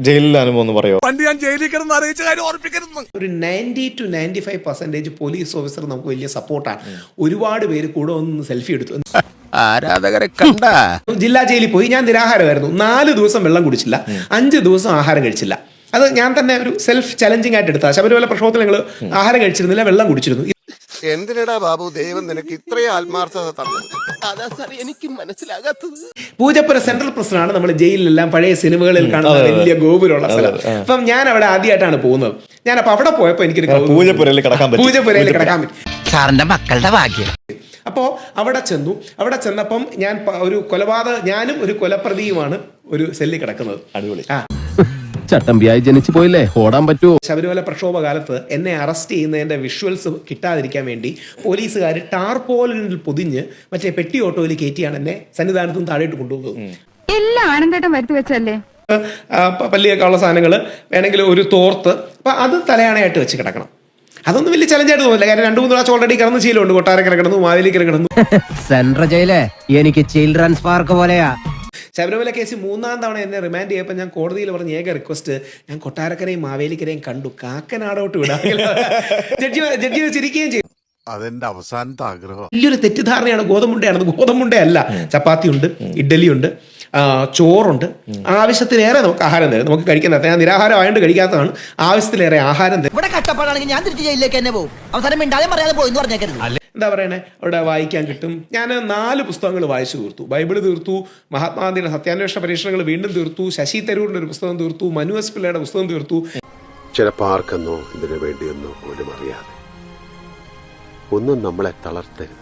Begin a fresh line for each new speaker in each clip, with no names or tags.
ജയിലിലെ അനുഭവം ഒന്ന് പറയോ?
പണ്ട് ഞാൻ ജയിലിൽ കിടന്ന് അറിയിച്ച കാര്യം ഓർപ്പിക്കരുത്.
ഒരു 90 to 95% പോലീസ് ഓഫീസർ നമുക്ക് വലിയ സപ്പോർട്ടാണ്. ഒരുപാട് പേര് കൂടെ ഒന്ന് സെൽഫി എടുത്തു.
ആരാധകരെ കണ്ട
ജില്ലാ ജയിലിൽ പോയി ഞാൻ നിരാഹാരമായിരുന്നു. 4 ദിവസം വെള്ളം കുടിച്ചില്ല, 5 ദിവസം ആഹാരം കഴിച്ചില്ല. അത് ഞാൻ തന്നെ ഒരു സെൽഫ് ചലഞ്ചിങ് ആയിട്ട് എടുത്താൽ. ശബരിമല പ്രക്ഷോഭത്തിൽ ഞങ്ങൾ ആഹാരം കഴിച്ചിരുന്നില്ല, വെള്ളം കുടിച്ചിരുന്നു.
എന്തിനടാ ബാബു ദൈവം നിനക്ക് ഇത്രയും ആത്മാർത്ഥത തന്നത്? അതാ സാർ എനിക്ക് മനസ്സിലാകാത്തത്.
പൂജപ്പുര സെൻട്രൽ പ്രസിഡന്റാണ് നമ്മൾ ജയിലിലെല്ലാം പഴയ സിനിമകളിൽ കാണുന്ന വലിയ ഗോപുരമുള്ള സ്ഥലം. അപ്പം ഞാൻ അവിടെ ആദ്യമായിട്ടാണ് പോകുന്നത്. ഞാനപ്പോൾ അവിടെ പോയപ്പോൾ എനിക്കൊരു
പൂജപ്പുരയിൽ കിടക്കാൻ
പറ്റും.
സാറിന്റെ മക്കളുടെ ഭാഗ്യം.
അപ്പോൾ അവിടെ ചെന്നപ്പം ഞാൻ ഒരു ഞാനും ഒരു കൊലപ്രതിയുമാണ് ഒരു സെല്ലിൽ കിടക്കുന്നത്.
അടിപൊളി.
ചട്ടമ്പിയായി ജനിച്ചു പോയില്ലേ, ഓടാൻ പറ്റുമോ?
ശബരിമല പ്രക്ഷോഭ കാലത്ത് എന്നെ അറസ്റ്റ് ചെയ്യുന്നതിന്റെ വിഷ്വൽസ് കിട്ടാതിരിക്കാൻ വേണ്ടി പോലീസുകാർ ടാർപോളിനിൽ പൊതിഞ്ഞ് മറ്റേ പെട്ടി ഓട്ടോയിൽ കയറ്റിയാണ് എന്നെ സന്നിധാനത്തും താഴേട്ട് കൊണ്ടുപോകുന്നത്.
എല്ലാം ആനന്ദേട്ടൻ വരുത്തി വെച്ചല്ലേ.
പല്ലിയൊക്കെ ഉള്ള സാധനങ്ങൾ വേണമെങ്കിൽ ഒരു തോർത്ത്, അപ്പൊ അത് തലയാണയായിട്ട് വെച്ച് കിടക്കണം. അതൊന്നും വലിയ ചലഞ്ചായിട്ട് തോന്നില്ല. കാര്യം 2-3 പ്രാവശ്യം ഓൾറെഡി കിടന്ന് ശീലമുണ്ട്. കൊട്ടാരക്കര കിടന്നു, മാവേലിക്കര കിടന്നു.
സെൻട്രൽ ജയിലേ എനിക്ക് ചിൽഡ്രൻസ് പാർക്ക് പോലെയാ.
ശബരിമല കേസ് 3-ാം തവണ എന്നെ റിമാൻഡ് ചെയ്യപ്പോൾ ഞാൻ കോടതിയിൽ പറഞ്ഞ ഏക റിക്വസ്റ്റ്, ഞാൻ കൊട്ടാരക്കരയും മാവേലിക്കരയും കണ്ടു, കാക്കനാടോട്ട് വിടാം. ജഡ്ജി ചിരിക്കുകയും ചെയ്തു.
അതെന്റെ അവസാനത്തെ ആഗ്രഹം.
വലിയൊരു തെറ്റിദ്ധാരണയാണ് ഗോതമ്പുണ്ടയാണെന്ന്. ഗോതമ്പുണ്ടയല്ല, ചപ്പാത്തി ഉണ്ട്, ഇഡ്ഡലി ഉണ്ട്, ചോറുണ്ട്, ആവശ്യത്തിലേറെ നമുക്ക് ആഹാരം തരും. നമുക്ക് കഴിക്കുന്ന, ഞാൻ നിരാഹാരം ആയതുകൊണ്ട് കഴിക്കാത്തതാണ്, ആവശ്യത്തിലേറെ ആഹാരം തരും.
ഇവിടെ കട്ടപ്പാടാണെങ്കിൽ ഞാൻ തിരിച്ച് ജയിലിലേക്ക് തന്നെ പോകും. അവസാനം മിണ്ടാതെ പറയാതെ പോയി എന്ന് പറഞ്ഞേക്കരുത്.
എന്താ പറയണേ, അവിടെ വായിക്കാൻ കിട്ടും. ഞാൻ 4 പുസ്തകങ്ങൾ വായിച്ചു തീർത്തു. ബൈബിള് തീർത്തു, മഹാത്മാഗാന്ധിയുടെ സത്യാന്വേഷണ പരീക്ഷണങ്ങൾ വീണ്ടും തീർത്തു, ശശി തരൂരിന്റെ ഒരു പുസ്തകം തീർത്തു, മനു എസ് പിള്ളയുടെ പുസ്തകം തീർത്തു.
ചിലപ്പോൾ ആർക്കെന്നോ ഇതിനു വേണ്ടിയെന്നോ പോലും അറിയാതെ ഒന്നും നമ്മളെ തളർത്തരുത്.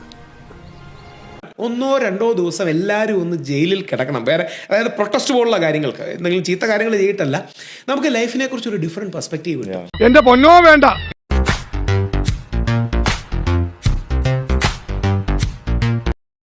1-2 ദിവസം എല്ലാവരും ഒന്ന് ജയിലിൽ കിടക്കണം. വേറെ, അതായത് പ്രൊട്ടസ്റ്റ് പോലുള്ള കാര്യങ്ങൾക്ക്, എന്തെങ്കിലും ചീത്ത കാര്യങ്ങൾ ചെയ്തിട്ടല്ല, നമുക്ക് ലൈഫിനെ കുറിച്ച് ഒരു ഡിഫറെന്റ് പെർസ്പെക്റ്റീവ് കിട്ടും.
എന്റെ പൊന്നോ വേണ്ട,